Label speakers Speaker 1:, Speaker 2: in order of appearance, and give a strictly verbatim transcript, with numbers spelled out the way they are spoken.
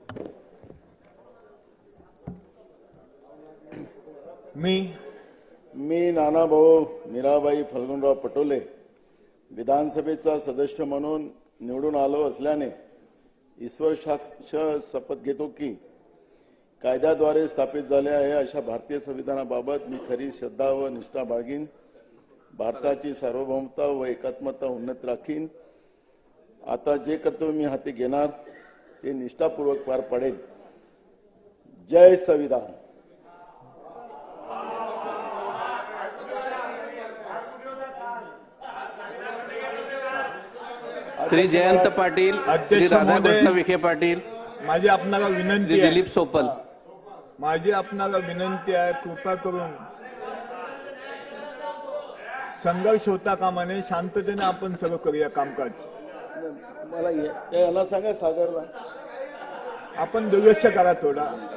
Speaker 1: मी
Speaker 2: मी नानाभाऊ मीराबाई फल्गुनराव पटोले विधानसभेचा सदस्य म्हणून निवडून आलो असल्याने ईश्वर साक्ष शपथ घेतो की कायद्याद्वारे स्थापित झाले आहे अशा भारतीय संविधानाबाबत मी खरी श्रद्धा व निष्ठा बाळगीन, भारताची सार्वभौमता व एकात्मता उन्नत राखीन। आता जे कर्तव्य मी हाती घेणार ते निष्ठापूर्वक पार पाडेल। जय संविधान।
Speaker 3: श्री जयंत पाटील, श्री राधाकृष्ण विखे पाटील,
Speaker 1: माझी आपणाला
Speaker 3: श्री
Speaker 1: विनंती आहे
Speaker 3: दिलीप सोपल,
Speaker 1: माझी आपणाला विनंती आहे, कृपा करून संघर्ष होता कामा नये, शांततेने आपण सगळं करूया कामकाज।
Speaker 2: मला ये- याला सांगा सागरला
Speaker 1: आपण दुर्लक्ष करा थोडा।